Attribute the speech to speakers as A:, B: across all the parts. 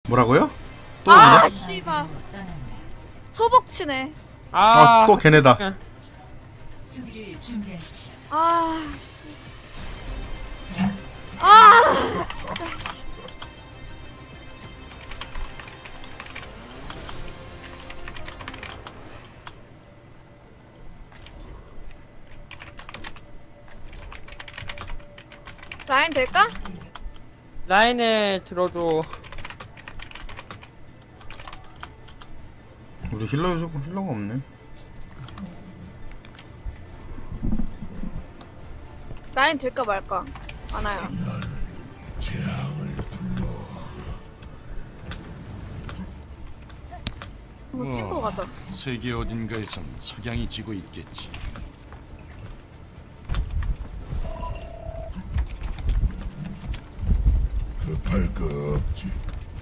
A: 뭐라고요? 또
B: 아
A: 그냥?
B: 씨발 소복치네.
A: 또 걔네다.
C: 수비를 준비하십시오.
B: 아 씨. 아 진짜. 라인 될까?
D: 라인에 들어줘.
A: 우리 힐러 요즘 힐러가 없네.
B: 라인 될까 말까? 많아요. 한번 찍고 가자.
E: 세계 어딘가에선 석양이 지고 있겠지.
F: 급할 거 없지.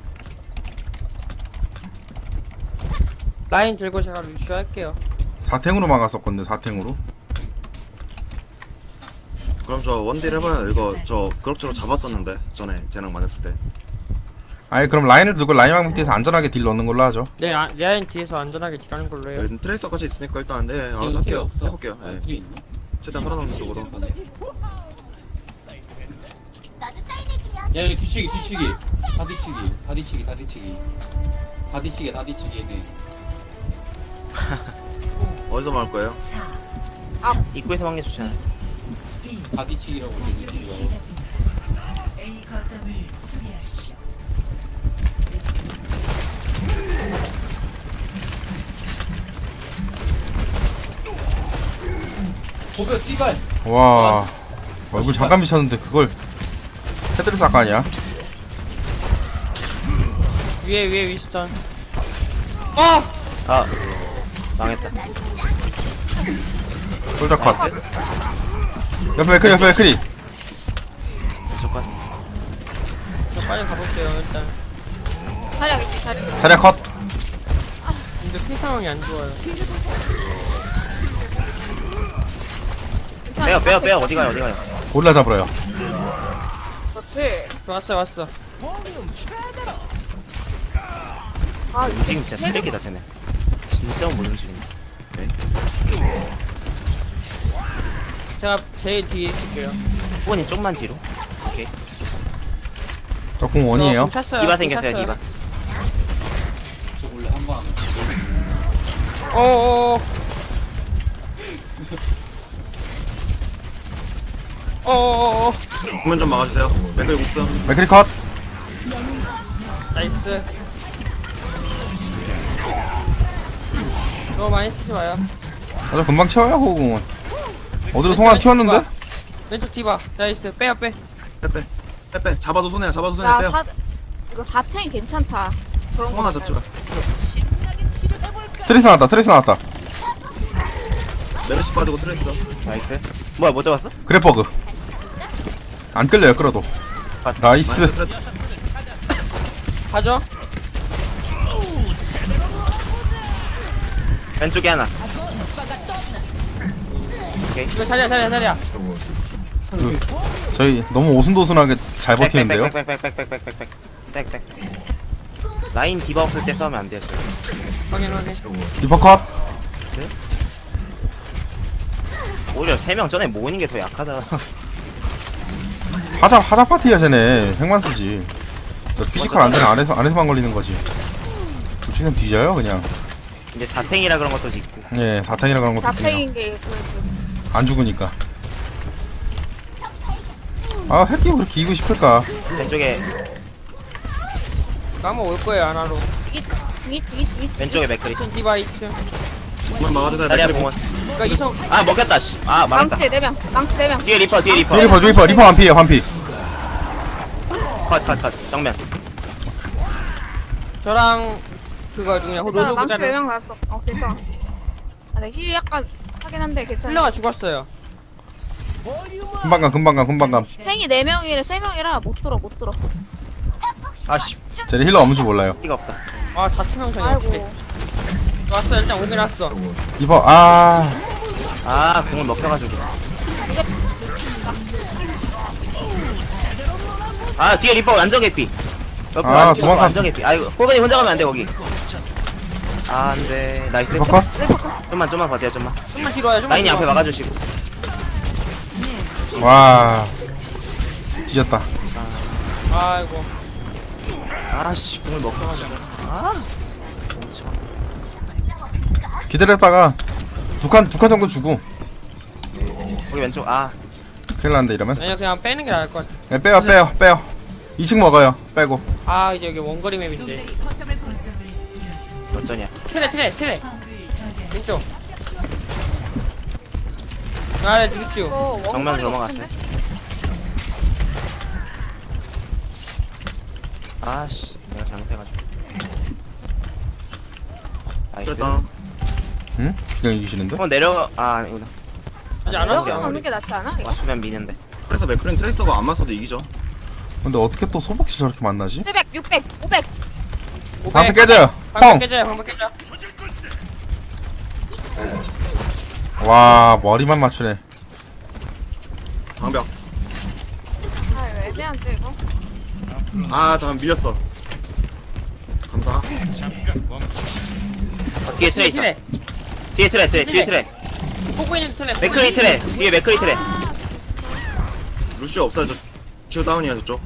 D: 라인 들고 제가 루슈 할게요.
A: 사탱으로 막았었건데 사탱으로.
G: 그럼 저 원딜 해봐요. 이거 저 그럭저럭 잡았었는데 전에 재능 많았을 때.
A: 아니 그럼 라인을 두고 라인 방패에서 안전하게 딜 넣는 걸로 하죠.
D: 네, 라인 뒤에서 안전하게 딜하는 걸로 해요.
G: 트레이서 같이 있으니까 일단 네 알아서 할게요. 해볼게요. 네. 최대한 살아남는 쪽으로.
H: 야 여기 뒤치기 다 뒤치기 얘네.
G: 어디서 막을 거예요?
I: 입구에서 막는 게 좋잖아.
H: 다 뒤치기라고 얘기해요.
C: 시작됩니다. A 거점을 수비하십시오.
H: 고벼 띠발.
A: 와 얼굴 잠깐 미쳤는데 그걸 헤드레스 아까 아니야?
D: 위에 위스턴.
I: 아 망했다.
A: 홀짝 컷. 옆에 맥크리 옆에 맥크리.
I: 잠깐.
D: 저 빨리 가볼게요 일단.
B: 자리하겠지 자리.
A: 자리야 컷.
D: 근데 피 상황이 안 좋아요.
I: 빼요 어디 가요.
A: 고릴라 잡으러요.
B: 그렇지.
D: 왔어.
B: 아
I: 움직임 진짜 쓰레기다 쟤네. 진짜 못 움직인다.
D: 제가 제일 뒤에 있을게요.
I: 후원이 좀만 뒤로. 오케이.
A: 저공 원이에요.
D: 공 찼어요.
I: 디바
D: 공
I: 생겼어요
D: 찼어요.
I: 디바.
H: 저 원래 한방
D: 어어어.
G: 국면 좀 막아주세요. 맥클 국수.
A: 맥크리 컷.
D: 나이스. 너무 많이 쓰지 마요.
A: 아주 금방 채워요 호공은. 어디로 송환 튀었는데?
D: 왼쪽 디바. 나이스. 빼요 빼.
G: 빼. 잡아도 손해야. 잡아도
B: 야
G: 손해야. 빼요.
B: 이거 4탱이 괜찮다. 그런 거
G: 하나 잡지마.
A: 트레이스 나왔다.
G: 메르시 빠지고 트레이서.
I: 나이스. 뭐야 못 잡았어?
A: 그래 버그. 안 끌려요 끌어도. 나이스.
D: 가죠.
I: 왼쪽에 하나.
D: 이거 자리야.
A: 그, 저희 너무 오순도순하게 잘 버티는데요.
I: 빽빽. 라인 디바 없을 때 싸우면 안 돼요. 저희.
D: 확인.
A: 디퍼 컷.
I: 오히려 3명 전에 모으는 게 더 약하다.
A: 하자 파티야 쟤네. 핵만 쓰지. 저 피지컬 안 되는 안에서만 걸리는 거지. 우측은 뒤져요 그냥.
I: 이제 다탱이라 그런 것도 있고.
A: 예 사탕이라 그런 것도 있네요.
B: 4탱인 게
A: 안 죽으니까. 아 핵기 왜 그렇게 이기고 싶을까?
I: 왼쪽에
D: 까먹 올 거예요 하나로.
B: 뒤.
I: 왼쪽에 맥크리.
D: 2층 디바 2층.
G: 국면 막아주세요.
I: 다리야
G: 맥클
I: 공원.
D: 그러니까 이성.
I: 아 먹혔다. 씨. 아 망했다.
B: 망치 4명. 망치 4명.
I: 뒤에 리퍼.
A: 리퍼 완피.
I: 컷. 정면.
D: 저랑 그거 중에
B: 괜찮아.
D: 로드
B: 망치
D: 부자를
B: 4명 나왔어. 괜찮아. 아, 네, 힐 약간 하긴 한데 괜찮아.
D: 힐러가 죽었어요.
A: 금방 감.
B: 탱이 4명이라 3명이라 못 들어.
I: 아씨.
A: 쟤네 힐러 없는지 몰라요.
I: 피가 없다.
D: 아 자치명상이 어떻게?
B: 아이고.
D: 왔어 일단 오긴 왔어.
A: 리퍼
I: 공을 먹혀가지고. 뒤에 리퍼 완전 개피.
A: 아, 도망가.
I: 완전 개피. 아이고, 호건이 혼자 가면 안 돼, 거기. 아, 안 돼. 나이스.
A: 리퍼 컷?
I: 좀만 버텨, 좀만.
D: 좀만 뒤로 와요. 좀만
I: 라인이
D: 뒤로
I: 앞에
D: 와.
I: 막아주시고.
A: 와 뒤졌다.
D: 아이고.
I: 아씨, 공을 먹자마자. 아, 멈춰.
A: 기다렸다가 두 칸 정도 주고
I: 거기 왼쪽. 아,
A: 큰일 났는데 이러면.
D: 아니야 그냥 빼는 게 나을 것 같아.
A: 네, 빼요 2층 먹어요 빼고.
D: 아 이제 여기 원거리 맵인데.
C: 거점을 잃었습니다.
I: 어쩌냐.
D: 트레.
C: 화물을 저지하십시오.
D: 왼쪽. 아 루시오.
B: 이거
I: 정면
B: 원거리
I: 넘어갔어요.
B: 같은데?
I: 아씨, 내가 잘못해가지고. 나이스.
G: 됐다.
A: 응? 그냥 이기시는데?
I: 내려가. 아, 아니구나.
D: 아직 안
B: 내려가서
D: 왔어.
B: 가는 게 낫지 않아? 이거?
I: 왔으면 미는데.
G: 그래서 맥크린 트레이서가 안 맞서도 이기죠.
A: 근데 어떻게 또 소복시 저렇게 만나지?
B: 700, 600, 500.
A: 방패 깨져요.
D: 방패
A: 펑!
D: 깨져요. 방패 깨져.
A: 와 머리만 맞추네.
G: 방벽.
B: 아 이거 애매한데 이거?
G: 아 잠깐 밀렸어. 감사.
I: 뒤에 트레 있어. 뒤에 트레.
D: 보고 있는 트레.
I: 맥크리 트레. 뒤에 맥크리 트레.
G: 루시오 없어요. 저 주요 다운이야 저쪽.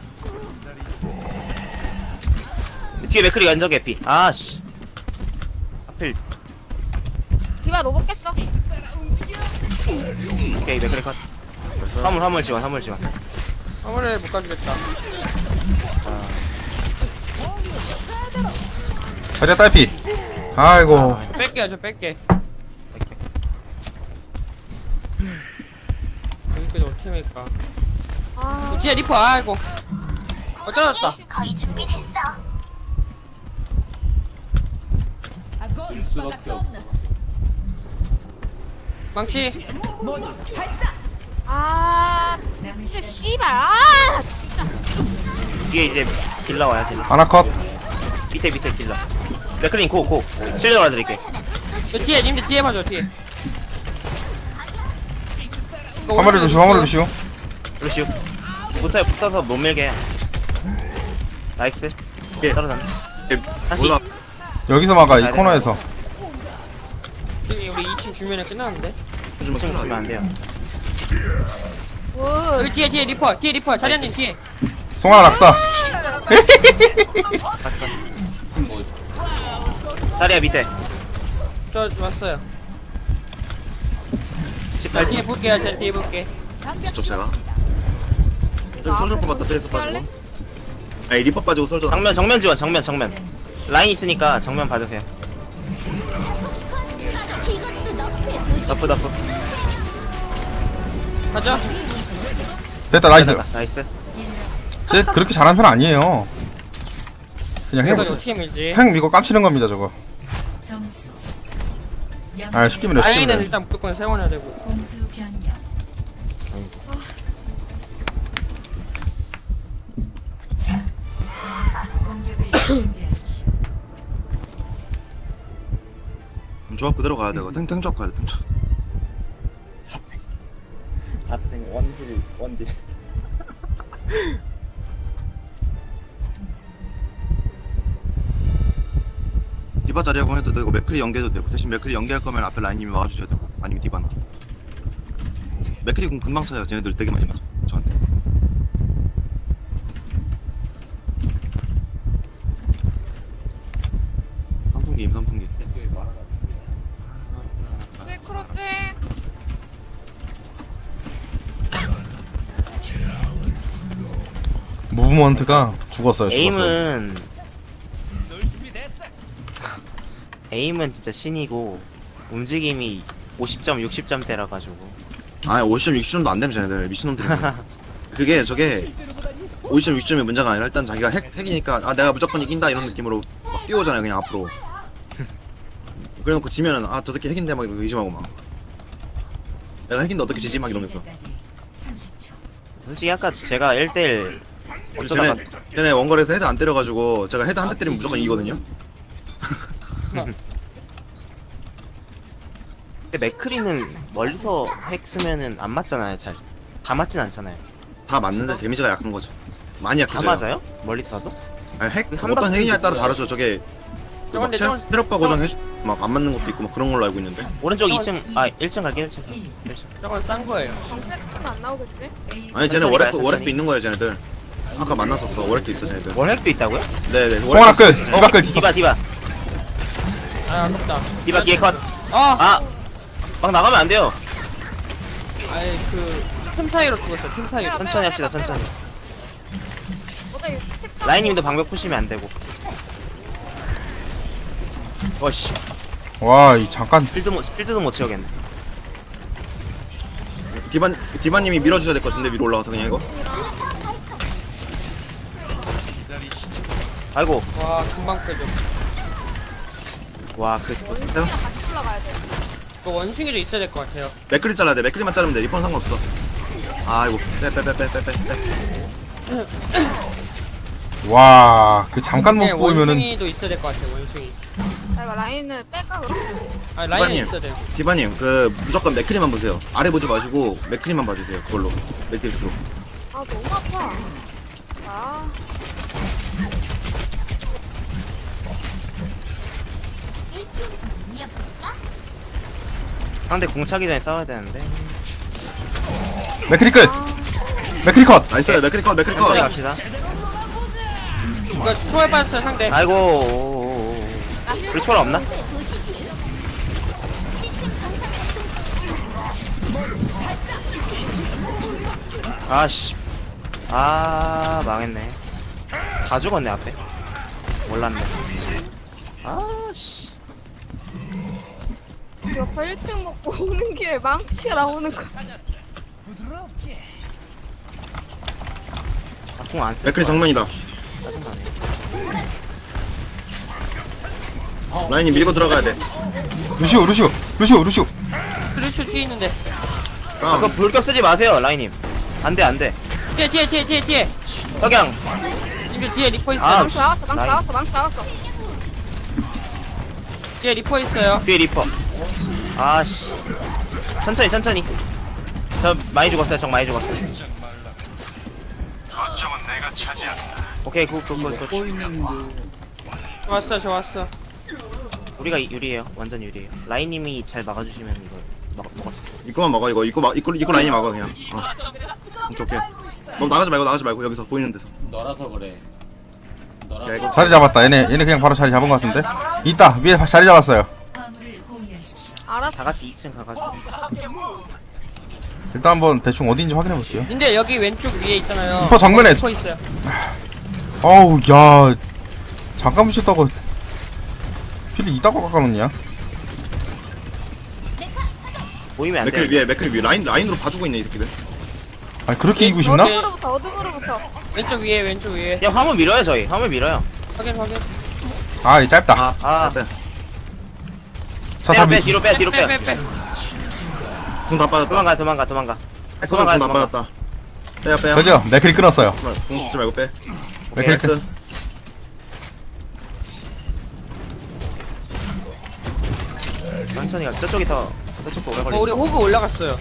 I: 뒤에 맥크리 완전 개피. 아씨. 하필.
B: 디바 로봇 깼어.
I: 오케이, 맥크리 컷. 화물 지원.
D: 화물을 못 가주겠다.
A: 자리야 딸피. 아이고
D: 뺄게요. 저 뺄게. 여기까지 어떻게 밀까?
B: 아
D: 뒤에 리퍼. 아이고. 떨어졌다.
H: 수밖에 없어.
D: 망치.
B: 아
C: 남은
B: 진짜
C: 시간
B: 씨발 아 진짜.
I: 뒤에 이제 딜러 와요, 딜러.
A: 하나 컷.
I: 밑에 딜러. 맥크린 고. 실드 와드릴게.
D: 저 뒤에 님들 뒤에 봐줘. 뒤에.
A: 화물에 루시오.
I: 루시우. 붙어서 못 밀게. 나이스.
G: 예.
I: 떨어졌네. 다시.
G: 몰라.
A: 여기서 막아 이 코너에서.
D: 지금 우리 2층 주면은 끝났는데.
G: 좀
I: 지금 주면 안 돼요.
B: 굿.
D: 여기 뒤에 리퍼. 자리한님 뒤에.
A: 송하나 낙사.
H: 뭐
I: 다리야 밑에.
D: 저 왔어요.
I: 18.
D: 뒤에 볼게요. 제 뒤에 볼게.
G: 저쪽 제가. 저기 솔저 뽑았다. 트레이서 빠지고. 아니 리퍼 빠지고 솔저.
I: 정면 지원. 정면. 라인 있으니까 정면 봐주세요. 너프.
D: 가자.
A: 됐다 나이스.
I: 나이스.
A: 쟤 그렇게 잘하는 편 아니에요. 그냥
D: 이거
A: 행
D: 어떻게 밀지?
A: 미고 깜치는 겁니다 저거.
C: 점수.
A: 아 쉽게 밀어 쉽게
D: 라인은
A: 밀어.
D: 일단 무조건 세워놔야 되고.
C: 공수 변경. 공격을 준비하십시오.
G: 조합 그대로 가야 되고 탱 조합 가야 돼. 탱 조합.
I: 4등 원딜.
G: 디바 자리하고 해도 되고 맥크리 연계해도 되고 대신 맥크리 연계할 거면 앞에 라인님이 막아주셔야 되고 아니면 디바나. 맥크리 공 금방 차요. 쟤네들 되게 많이 맞아 저한테. 선풍기.
B: 실크로즈.
A: 무브먼트가 죽었어요.
I: 에임은 진짜 신이고 움직임이 50점, 60점대라 가지고.
G: 아 50점 60점도 안 되면 쟤네들 미친놈들이. 그게 저게 50점 60점이 문제가 아니라 일단 자기가 핵이니까 아 내가 무조건 이긴다 이런 느낌으로 막 뛰어오잖아요 그냥 앞으로. 그래놓고 지면은 아 저 새끼 핵인데 막 이러고 의심하고 막 내가 핵인데 어떻게 지지 막 이러면서.
C: 시작까지 30초.
I: 솔직히 아까 제가 1대1 어쩌다가
G: 쟤네 원거리에서 헤드 안 때려가지고 제가 헤드 한 대 때리면 무조건 이기거든요.
I: 근데 맥크리는 멀리서 핵 쓰면은 안 맞잖아요. 다 맞진 않잖아요.
G: 다 맞는데 데미지가 약한 거죠. 많이
I: 다
G: 약해져요.
I: 맞아요? 멀리서 도
G: 아니, 핵
I: 한
G: 어떤
I: 박스
G: 핵이냐에 따라
I: 있고요.
G: 다르죠. 저게
D: 저건데 저건
G: 체력바 고정 해주 막 안 맞는 것도 있고 막 그런 걸로 알고 있는데.
I: 오른쪽 2층 1층 갈게 1층. 1층.
D: 저건 싼 거예요.
B: 방패는 안 나오겠지?
G: 아니 쟤네
I: 천천히
G: 월핵도
I: 가요,
G: 월핵도 있는 거예요 쟤네들. 아까 만났었어. 월핵도 있어 쟤네들.
I: 월핵도 있다고요?
G: 네네.
A: 송하나 끝 디바 끝 디바.
I: 디바
D: 아 아깝다.
I: 디바 뒤에 컷.
D: 아,
I: 막 나가면 안 돼요.
D: 아이 그틈 사이로 죽었어. 틈 사이로.
I: 천천히 합시다 천천히.
B: 어제 스택 쌓은
I: 라인님도 방벽 푸시면 안 되고. 어씨
A: 와이 잠깐
I: 필드도 못 채우겠네.
G: 디바님이 밀어주셔야 될 것 같은데 위로 올라가서 그냥 이거.
I: 아이고
D: 와 금방 빼줘.
I: 와그
B: 원숭이랑 같이 올라가야 돼.
D: 그 원숭이도 있어야 될 것 같아요.
G: 맥크리 잘라야 돼. 맥크리만 자르면 돼. 리폰 상관없어. 아이고 빼.
A: 와그 잠깐 못
D: 네,
A: 보이면은
D: 원숭이도 있어야 될 것 같아요. 원숭이.
B: 나 이거 라인을 뺄까 그럼?
D: 아 라인은
G: 빨리.
D: 있어야 돼요.
G: 디바님 그 무조건 맥크리만 보세요. 아래 보지 마시고 맥크리만 봐주세요. 그걸로 매트릭스로.
B: 아 너무 아파. 아
I: 상대 공 차기 전에 싸워야 되는데.
A: 맥크리 끝 맥크리 컷
G: 나이스. 맥크리 컷.
I: 천천히 갑시다.
D: 이거 초월 빠졌어요 상대.
I: 아이고 우리 초월 없나? 아씨 망했네. 다 죽었네 앞에. 몰랐네. 아씨
B: 옆에 1등 먹고 오는 길에 망치가 나오는 거.
I: 공안 쓸.
G: 맥크리 정면이다.
I: 짜증나네.
G: 라인이 밀고 들어가야 돼.
A: 루시오
D: 그렇죠 뒤에 있는데.
G: 다운.
I: 그거 불격 쓰지 마세요 라인님. 안돼.
D: 뒤에.
I: 석양.
D: 지금 뒤에 리퍼 있어요.
I: 아,
B: 망치 나왔어. 망치
I: 라인.
B: 나왔어. 망치 나왔어.
D: 뒤에 리퍼 있어요.
I: 뒤에 리퍼. 아씨. 천천히. 저 많이 죽었어요. 적 많이 죽었어요. 오케이 굿.
D: 좋았어.
I: 우리가 유리해요. 완전 유리해요. 라인님이 잘 막아주시면 이거 먹었어.
G: 이거만 막아 이거. 이거 라인이 막아 그냥. 오케이. 너무 나가지 말고 여기서 보이는 데서.
H: 너라서 그래.
G: 야 이거
A: 자리 잡았다 얘네 그냥 바로 자리 잡은 것 같은데 있다 위에 자리 잡았어요.
C: 화물을 호위하십시오.
B: 알았어.
I: 다 같이 2층 가가지고.
A: 일단 한번 대충 어디인지 확인해 볼게요.
D: 근데 여기 왼쪽 위에 있잖아요.
A: 리퍼 정면에
D: 리퍼 있어요.
A: 어우 야 잠깐 붙였다고 필을 이따가 깎아놓냐.
I: 보이면 안
G: 맥크리
I: 돼.
G: 위에 맥크리 위에 라인으로 봐주고 있네 이 새끼들.
A: 아니 그렇게 이기고 싶나?
B: 어둠으로부터.
D: 왼쪽 위에.
I: 그냥 화물 밀어요 저희. 화물 밀어요.
D: 확인.
A: 아 이 짧다.
I: 빼.
A: 자타
I: 빼
A: 밑
I: 뒤로 빼.
D: 빼.
G: 궁다 빠졌다.
I: 도망가.
G: 궁다 빠졌다. 빼요.
A: 저기요 맥크리 끊었어요.
G: 궁 쓰지 말고 빼. 오케이
A: 맥크리
G: 나이스.
I: 천천히 가. 저쪽도 오래 걸리.
D: 우리 호그 올라갔어요.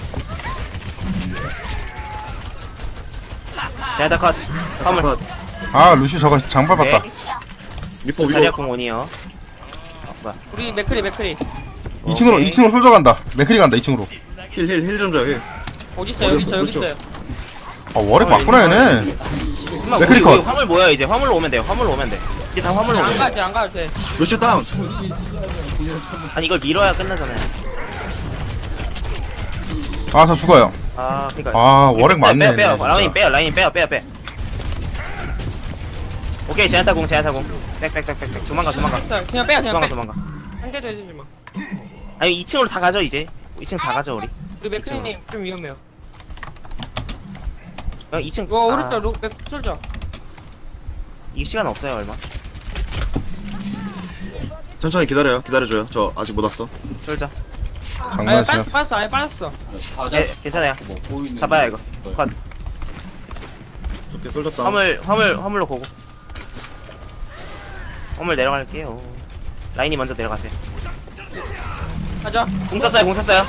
I: 자다 컷. 화물.
G: 컷.
A: 아 루시 저거 장발 봤다.
G: 리퍼 위로.
I: 자리야 공 온이요. 뭐야.
D: 우리 맥크리.
A: 2층으로 솔져 간다. 맥크리 간다 2층으로.
G: 힐 좀 줘요 힐.
D: 어디 있어요? 여기 있어요.
A: 아 월핵 맞구나 얘네.
I: 잠깐만,
A: 맥크리
I: 우리
A: 컷.
I: 화물 모여 이제. 화물로 오면 돼요. 이제 다 화물로 오면 돼.
D: 안 가도 돼.
G: 루시 다운.
I: 아니 이걸 밀어야 끝나잖아요.
A: 아 저 죽어요.
I: 그니까.
A: 아 월핵 맞네.
I: 빼요.
A: 진짜.
I: 라인님 빼요. 오케이 제한타공. 백. 도망가.
D: 그냥 빼.
I: 도망가.
D: 한 대도 해주지 마.
I: 아니 2층으로 다 가죠 이제. 2층 다 가죠 우리.
D: 우리 맥크리님 좀 위험해요.
I: 2층.
D: 와 오른쪽 맥 솔져.
I: 이 시간 없어요 얼마.
G: 천천히 기다려줘요. 저 아직 못 왔어.
I: 쫄자.
D: 아예
A: 장난치나.
D: 빠졌어. 아예 빠졌어.
I: 괜찮아요.
H: 뭐 보이는.
I: 잡아요 이거. 컷.
G: 좋게 쏠졌다.
I: 화물로 고고. 화물 내려갈게요. 라인이 먼저 내려가세요.
D: 가자.
I: 공 쐈어요.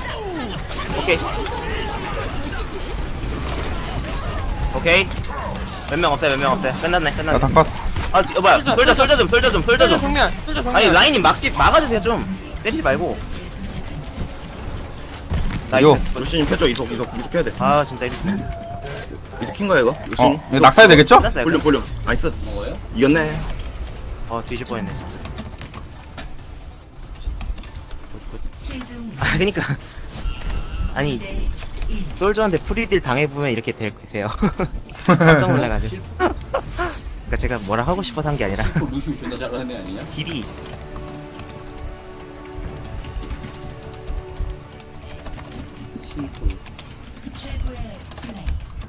I: 오케이. 몇 명 없어요. 끝났네.
A: 야타 컷.
I: 뭐야 솔져 좀
D: 솔저 정면 솔저 정면.
I: 아니 라인이 막아주세요 좀 때리지 말고
A: 이거.
I: 나이스
G: 루시님 펴줘 이속 해야 돼.
I: 아 진짜 이랬어
G: 이속 킨 거야 이거? 루시님.
A: 이거 낙사야 되겠죠?
I: 끝났어요
G: 볼륨. 나이스.
H: 먹어요?
G: 이겼네.
I: 뒤질 뻔했네 진짜
C: 최종
I: 아 그니까 아니 솔저한테 프리딜 당해보면 이렇게 되세요 깜짝 놀라가지고 그니까 제가 뭐라 하고 싶어서 한 게 아니라
H: 루시우 존나 잘하는 애 아니냐?
I: 딜이
H: 심플.
C: 최고의 플레이.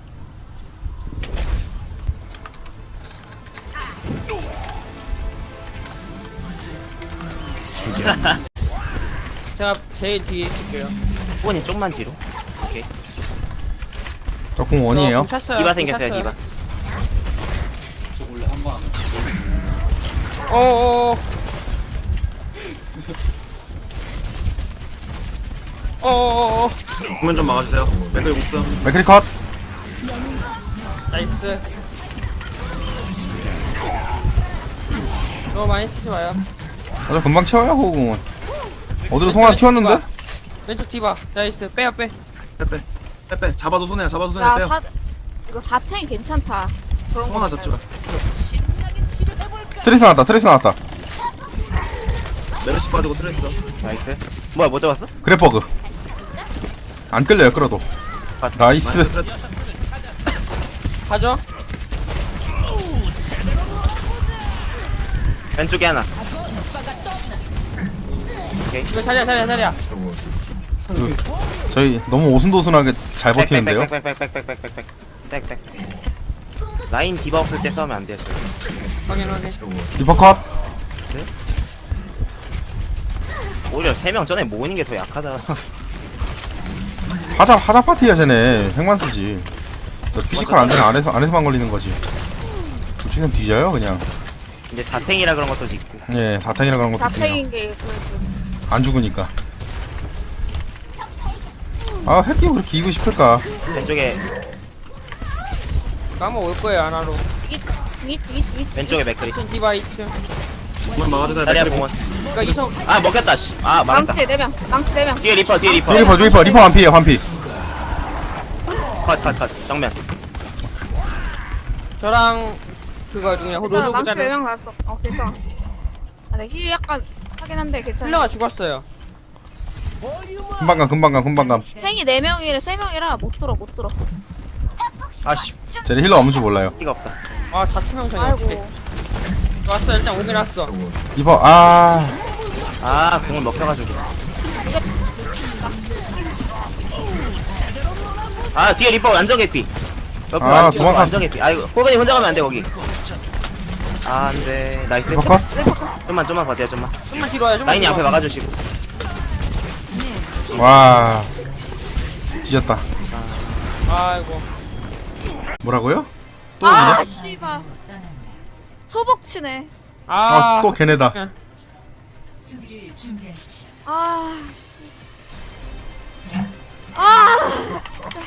D: 제가 제일 뒤에 있을게요.
I: 후보님 좀만 뒤로 오케이
A: 저공 원이에요.
D: 찼어요.
I: 디바 생겼어요 디바
H: 저 원래 한방
D: 어어어. 어어어.
G: 정면 좀 막아주세요. 맥클 국수.
A: 맥크리 컷.
D: 나이스. 너무 많이 쓰지 마요.
A: 저 금방 채워요 호공은. 어디로 송 하나 튀었는데?
D: 왼쪽 디바. 나이스. 빼요 빼.
G: 빼. 잡아도 손해야.
B: 야
G: 빼요.
B: 이거 4탱 괜찮다. 그런
G: 송 하나
B: 거
G: 잡지마.
A: 트레이스 나왔다.
G: 메르시 빠지고 트레이스.
I: 나이스 뭐야 뭐 잡았어?
A: 그래퍼그. 안 끌려요 끌어도. 나이스.
D: 가죠.
I: 왼쪽에 하나
D: 이거 자리야.
A: 저희 너무 오순도순하게 잘 버티는데요.
I: 백백백백백백백백백백 라인 디바 없을 때 싸우면 안 돼요 저희
D: 확인.
A: 리퍼 컷.
I: 오히려 3명 전에 모으는 게 더 약하다
A: 하자 파티야 쟤네. 핵만 쓰지. 저 피지컬 안 되면 안에서만 걸리는 거지. 도치는 뒤져요 그냥.
I: 이제 다탱이라 그런 것도 있고
A: 예, 4탱이라 그런 것도 있고요.
B: 4탱인 게
A: 안 죽으니까. 아, 핵기 왜 이렇게 이기고 싶을까?
I: 왼쪽에
D: 까먹 올 거예요 하나로.
B: 찌기
I: 왼쪽에 맥크리
D: 2층 디바 2층.
G: 정면 막아주세요.
I: 자리야
G: 맥클
I: 공원
D: 그러니까 2층.
I: 아 먹혔다 아 망했다
B: 망치 4명
I: 뒤에 리퍼
A: 리퍼 완피에요, 완피.
I: 컷 정면
D: 저랑 그거 누구냐
B: 괜찮아
D: 로드
B: 망치
D: 부자를
B: 4명 나왔어. 괜찮아. 힐 약간 하긴 한데 괜찮아.
D: 힐러가 죽었어요.
A: 금방 감.
B: 탱이 4명이라 3명이라 못 들어
I: 아씨
A: 쟤네 힐러 없는 줄 몰라요.
I: 피가 없다
D: 아 자치명성이 없대.
B: 아이고
D: 왔어 일단 오긴 왔어.
A: 리퍼,
I: 공을 먹혀가지고 뒤에 리퍼 완전 개피 옆에
A: 도망가.
I: 완전 개피 아이고 호건이 혼자 가면 안돼 거기 안돼 나이스
A: 리퍼 컷.
I: 좀만 버텨요 좀만
D: 좀만 뒤로 와요. 좀만
I: 라인이
D: 뒤로
I: 앞에
D: 와.
I: 막아주시고
A: 와. 뒤졌다.
D: 아이고.
A: 뭐라고요? 또 그냥?
B: 씨발 소복치네.
A: 또 걔네다.
C: 수비를 준비하십시오.
B: 진짜.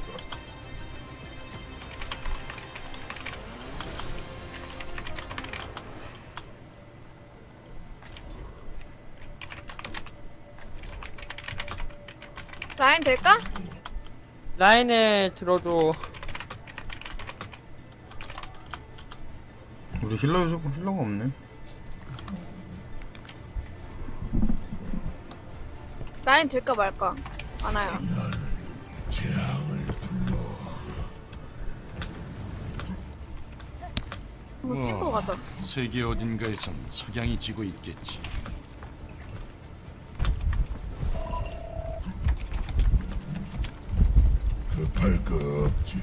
B: 라인 될까?
D: 라인에 들어도
A: 우리 힐러가 없네.
B: 라인 될까 말까? 많아요. 한번 찍고 가자.
E: 세계 어딘가에선 석양이 지고 있겠지.
F: 급할 거 없지.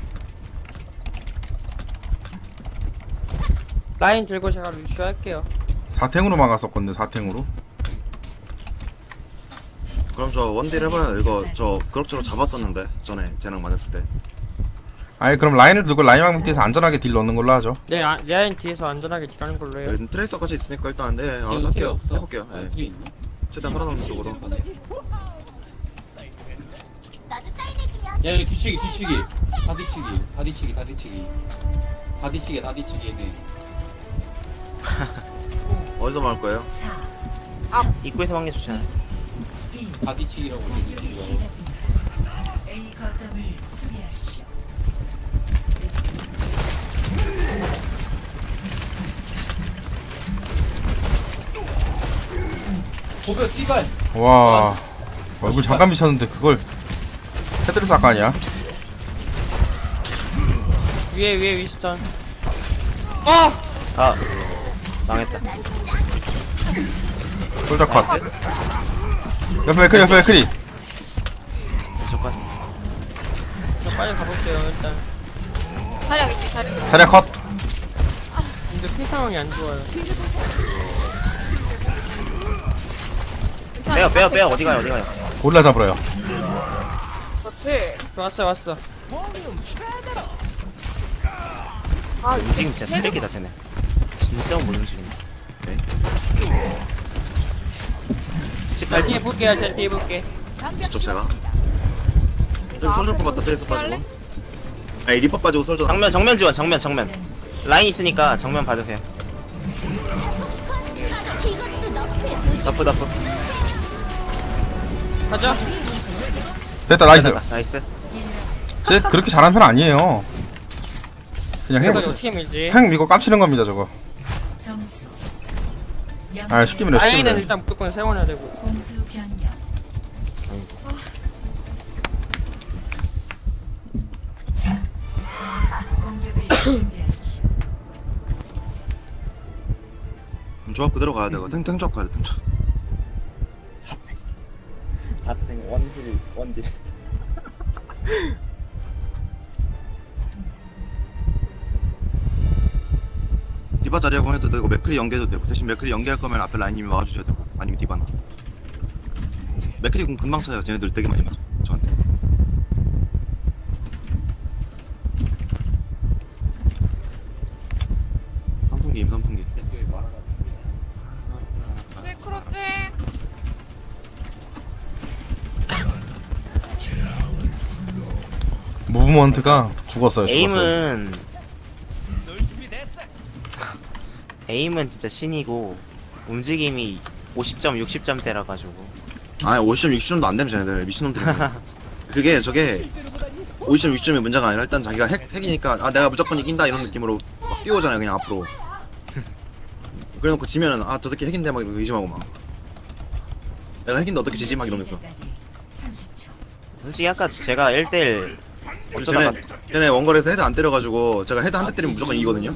D: 라인 들고 제가 루슈 할게요.
A: 4탱으로 막았었건데 4탱으로.
G: 그럼 저 원딜 해봐요. 이거 저 그럭저럭 잡았었는데 전에 재능 많았을 때.
A: 아니 그럼 라인을 두고 라인 방벽에서 안전하게 딜 넣는 걸로 하죠.
D: 네, 라인 뒤에서 안전하게 딜하는 걸로 해요.
G: 트레이서까지 있으니까 일단 네 알아서
H: 뒤에
G: 할게요.
H: 없어?
G: 해볼게요. 네.
H: 뒤에 있나?
G: 최대한 살아남는 쪽으로.
H: 야 여기 뒤치기 다 뒤치기 얘네.
G: 어디서 막을 거예요?
C: 4,
I: 입구에서 막는 게 좋지 않아요?
C: 1.
H: 바디치기라고
C: 공격이 시작됩니다. A 거점을 수비하십시오.
H: 고별 띠발.
A: 와 얼굴 잠깐 미쳤는데 그걸 헤드레스 아까 아니야?
D: 위에 위스턴.
I: 아 망했다.
A: 솔저 컷 옆에 맥크리
I: 잠깐.
D: 저 빨리 가볼게요 일단.
B: 자리하겠지, 자리.
A: 자리야 컷
D: 근데 피 상황이 안 좋아요.
I: 빼요. 어디 가요?
A: 고릴라 잡으러요.
B: 그렇지.
D: 왔어.
B: 아,
I: 움직임 진짜 쓰레기다 쟤네. 진짜 못 움직인다.
D: 자 뒤에 볼게요. 제 뒤에 볼게.
G: 직접 제가. 저기 솔저 뽑았다. 트레이서 빠지고. 아니 리퍼 빠지고 솔저.
I: 정면 지원. 정면. 라인 있으니까 정면 봐주세요. 너프.
D: 가자.
A: 됐다 나이스.
I: 나이스.
A: 쟤 그렇게 잘하는 편 아니에요. 그냥
D: 이거 어떻게 밀지?
A: 핵 미고 깜치는 겁니다 저거.
C: 점수.
A: 아 쉽게 밀어 쉽게
D: 라인은
A: 밀어.
D: 일단 무조건 세워놔야 되고.
C: 공수 변경. 공격을 준비하십시오.
G: 조합 그대로 가야 되고 탱 조합 가야 돼. 탱 조합.
I: 4등 원딜.
G: 디바 자리하고 해도 되고 맥크리 연계해도 되고 대신 맥크리 연계할 거면 앞에 라인님이 막아주셔야 되고 아니면 디바나. 맥크리 공 금방 차요. 쟤네들 되게 많이 맞아 저한테. 선풍기.
B: 시크로지.
A: 무브먼트가 죽었어요.
I: 에임은 진짜 신이고 움직임이 50점 60점대라 가지고.
G: 아 50점 60점도 안 되면 쟤네들 미친놈들이. 그게 저게 50점 60점이 문제가 아니라 일단 자기가 핵이니까 아 내가 무조건 이긴다 이런 느낌으로 막 뛰어오잖아요 그냥 앞으로. 그래놓고 지면은 아 저 새끼 핵인데 막 이러고 의심하고 막 내가 핵인데 어떻게 지지 막 이러면서.
C: 30초.
I: 솔직히 아까 제가 1대1 어쩌다가
G: 쟤네 원거리에서 헤드 안 때려가지고 제가 헤드 한 대 때리면 무조건 이기거든요.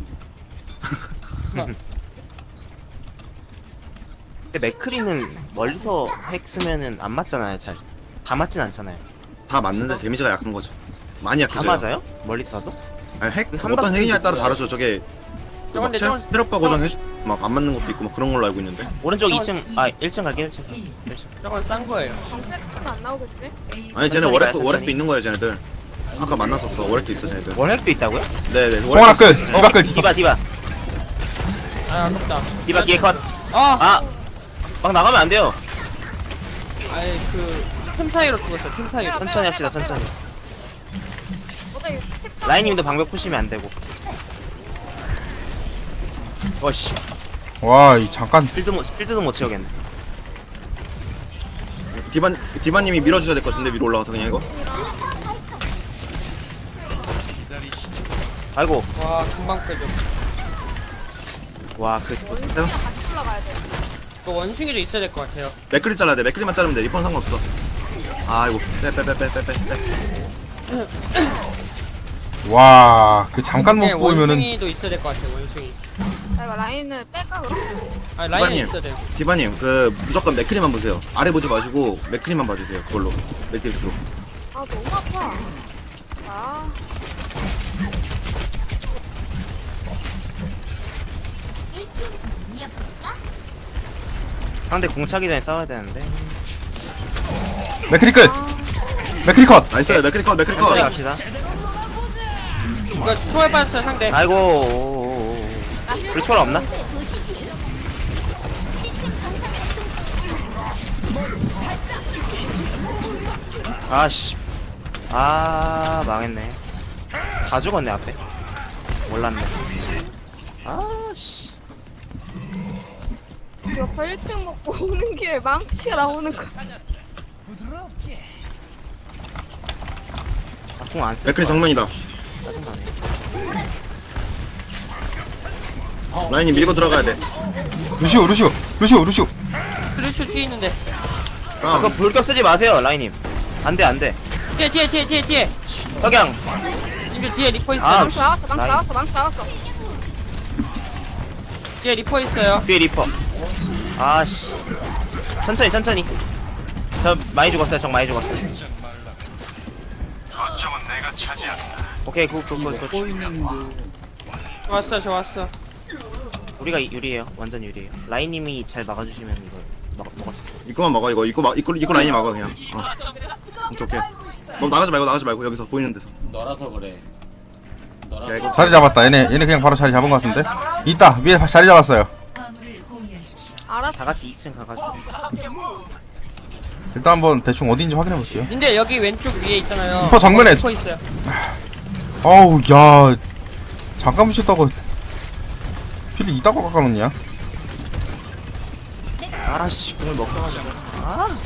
I: 근데 맥크리는 멀리서 핵 쓰면은 안 맞잖아요. 잘 다 맞진 않잖아요.
G: 다 맞는데 데미지가 약한 거죠. 많이
I: 다
G: 약해져요.
I: 맞아요? 멀리서 도
G: 아니, 핵
I: 한
G: 어떤
I: 박스
G: 핵이냐에 따라
I: 있고요.
G: 다르죠. 저게 막
D: 저건데, 저건-
G: 체력바 고정 해주 막 안 맞는 것도 있고 막 그런 걸로 알고 있는데.
I: 오른쪽 2층 1층 갈게요. 1층.
D: 저건 싼 거예요.
B: 스펙은 안 나오겠지?
G: 아니 쟤네
I: 천천히
G: 월핵도
I: 가요, 천천히.
G: 있는 거예요 쟤네들. 아까 만났었어. 월핵도 있어 쟤네들.
I: 원핵도 있다고요?
G: 네네.
A: 송하나 끌. 디바 끌.
I: 디바
D: 아 아깝다.
I: 뒤에 컷.
D: 아!
I: 막 나가면 안 돼요.
D: 아이 틈 사이로 죽었어. 틈 사이로.
I: 천천히 합시다. 천천히.
B: 뭐다 이 스택 쌓은
I: 라인님도 방벽 푸시면 안 되고. 어씨,
A: 와이 잠깐
I: 필드도 못 채우겠네.
G: 디바님이 밀어주셔야 될 것 같은데 위로 올라가서 그냥 이거.
I: 아이고,
D: 와 금방 빼줘.
I: 와, 그
B: 거 같이 올라가야 돼.
D: 또 원숭이도 있어야 될 것 같아요.
G: 맥크리 잘라야 돼. 맥크리만 자르면 돼. 리폰 상관없어. 아이고 빼.
A: 와그 잠깐 못
D: 네,
A: 보이면은
D: 원숭이도 있어야 될 것 같아요. 원숭이.
B: 나 이거 라인을 뺄까 그럼?
D: 아 라인은
G: 디바님.
D: 있어야 돼요.
G: 디바님 그 무조건 맥크리만 보세요. 아래 보지 마시고 맥크리만 봐주세요. 그걸로 매트릭스로.
B: 아 너무 아파. 아.
I: 상대 공 차기 전에 싸워야 되는데.
A: 맥크리 끌. 맥크리 컷.
G: 나이스. 맥크리 컷.
I: 천천히 갑시다.
D: 이거 초월 빠졌어요 상대.
I: 아이고, 불초월 없나? 아씨, 망했네. 다 죽었네 앞에. 몰랐네. 아씨.
B: 이거 1등 먹고 오는 길에 망치가 나오는 거.
I: 궁안 쓸.
G: 맥클이 정면이다.
I: 짜증나네.
G: 라인이 밀고 들어가야 돼.
A: 루시오 루시오 루시오 루시오.
D: 그렇죠 뒤에 있는데.
G: 아,
I: 그거 불격 쓰지 마세요, 라인님. 안돼 안돼.
D: 뒤에.
I: 석양.
D: 님들 뒤에 리퍼 있어요.
I: 아,
B: 망치 나왔어, 망치
I: 라인.
B: 나왔어, 망치 나왔어.
D: 뒤에 리퍼 있어요.
I: 뒤에 리퍼. 아씨. 천천히. 저 많이 죽었어요. 적 많이 죽었어요. 오케이 굿.
D: 좋았어.
I: 우리가 유리해요. 완전 유리해요. 라인님이 잘 막아주시면 이걸 먹었어.
G: 입구만 막아 이거. 입구 라인이 막아 그냥. 오케이. 너무 나가지 말고 여기서 보이는 데서.
H: 너라서 그래. 너라서.
G: 야 이거
A: 자리 잡았다. 얘네 그냥 바로 자리 잡은 것 같은데. 있다 위에 자리 잡았어요.
C: 화물을 호위하십시오.
B: 알았어.
I: 다 같이 2층 가가지고.
A: 일단 한번 대충 어디인지 확인해 볼게요.
D: 님들 여기 왼쪽 위에 있잖아요.
A: 리퍼 정면에.
D: 리퍼 있어요.
A: 아우 야 잠깐 붙였다고 피를 이따가 깎아놓냐?
I: 아씨 공을 먹혀가지고. 아.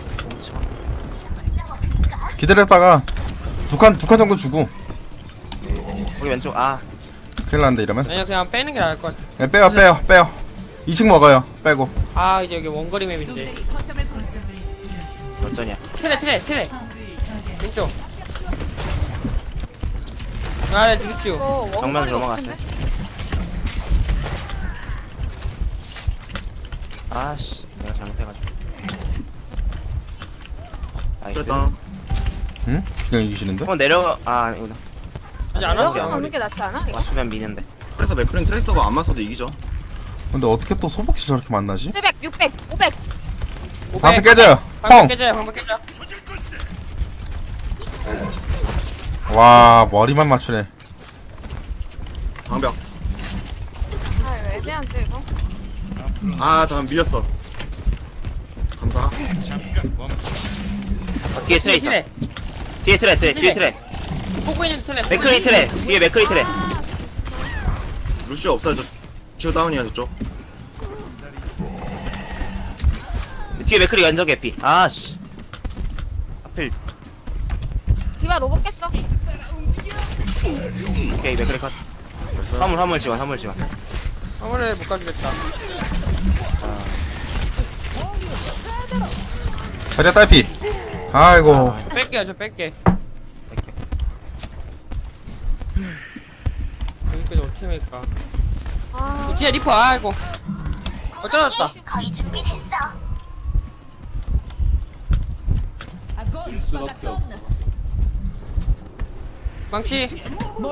A: 기다렸다가 두 칸 정도 주고
I: 우리 왼쪽. 아.
A: 큰일 났는데 이러면.
D: 아니요 그냥 빼는 게 나을 것 같아.
A: 네, 빼요 2층 먹어요. 빼고.
D: 아 이제 여기 원거리 맵인데.
C: 거점을 잃었습니다.
I: 몇 전이야?
D: 트레.
C: 화물을 저지하십시오.
D: 왼쪽. 아 루시오.
I: 정면
B: 원거리
I: 넘어갔어요.
B: 없는데?
I: 아씨 내가 잘못해가지고. 나이스.
G: 그랬다.
A: 응? 그냥 이기시는데?
I: 한번 내려. 아 아니구나.
D: 아직 안
B: 들어가서
D: 왔어.
B: 먹는 게 낫지 않아? 이거?
I: 왔으면 미는데.
G: 그래서 맥클린 트레이서가 안 맞서도 이기죠.
A: 근데 어떻게 또 소복실 저렇게 만나지?
B: 700, 600, 500.
A: 방패 깨져요.
D: 방금
A: 펑!
D: 깨져요.
A: 와 머리만 맞추네.
G: 방벽.
B: 아, 이거 애매한데, 이거?
G: 아 잠깐 밀렸어. 감사.
I: 뒤에 트레 있어.
D: 트레.
I: 뒤에 트레.
D: 보고 있는 트레.
I: 맥크리 트레. 뒤에 맥크리 트레.
G: 루시오 없어요. 저 루시오 다운이야 저쪽.
I: 뒤에 맥크리 완전 개피. 아씨. 하필.
B: 디바 로봇 깼어.
I: 오케이 맥크리 컷. 화물 지원.
D: 화물을 못 가주겠다.
A: 자리야 딸피. 아이고.
D: 뺄게요. 저 뺄게. 여기까지 어떻게 할까?
B: 아,
D: 뒤에 리퍼. 아이고. 떨어졌다.
H: 수밖에 없어.
D: 망치.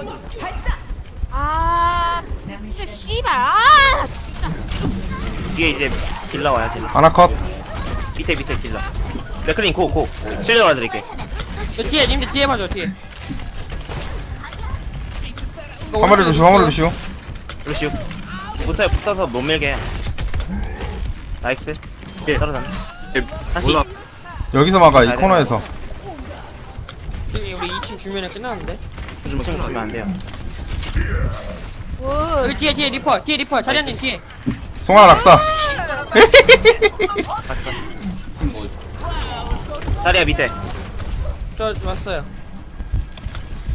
B: 아,
C: 남은
B: 진짜
C: 시간
B: 씨발. 아, 진짜.
I: 뒤에 이제 딜러 와요 딜러.
A: 아나컷.
I: 밑에 딜러. 맥크린 고. 실력 알아드릴게.
D: 저 뒤에 님들 뒤에 봐줘. 뒤에. 이거
A: 화물을
D: 오른쪽에
A: 루시오.
I: 루시우. 붙어서 못 밀게. 나이스.
G: 예.
I: 떨어졌네. 다시.
G: 몰라.
A: 여기서 막아 이 코너에서.
D: 저기 우리 2층 주면에 끝나는데.
G: 주면
I: 지금 주면 안 돼요.
B: 오,
D: 여기 뒤에 리퍼. 자리한님 뒤에.
A: 송하나 낙사.
H: 뭐
I: 다리야 밑에.
D: 저 왔어요.